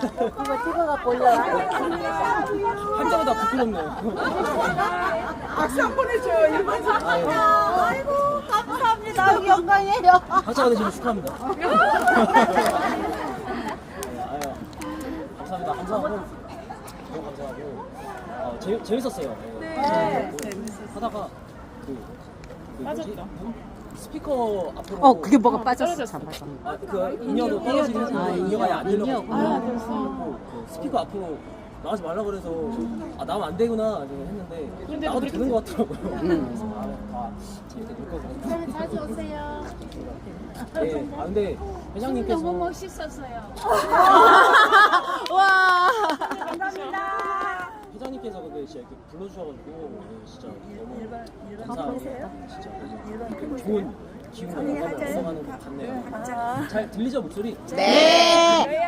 이거 찍어갖고 올려라. 한 장보다 부끄럽네요. 박수 한 번 해줘요. 일반 아이고, 감사합니다. 영광이에요. 박사가 되시면 축하합니다. 감사합니다. 감사하고 너무 감사하고 재밌었어요. 네. 하다가 빠졌죠. 스피커 앞으로 그게 뭐가 빠졌어. 잠깐. 그 인여도 떨어지긴 해서 인여가 아예 안 들려가지고 그 스피커 앞으로 나가지 말라 그래서 나오면 안 되구나 했는데 나가도 되는 것 같더라고요. 그래서 다 재밌게 놀 거고. 자주 오세요. 네, 근데 회장님께서 너무 멋있었어요. 와. 회장님께서 근데 진짜 이렇게 불러주셔가지고 진짜 너무 감사합니다. 진짜 너무 좋은 기운과 영감을 얻어가는 것 같네요. 잘 들리죠 목소리? 네.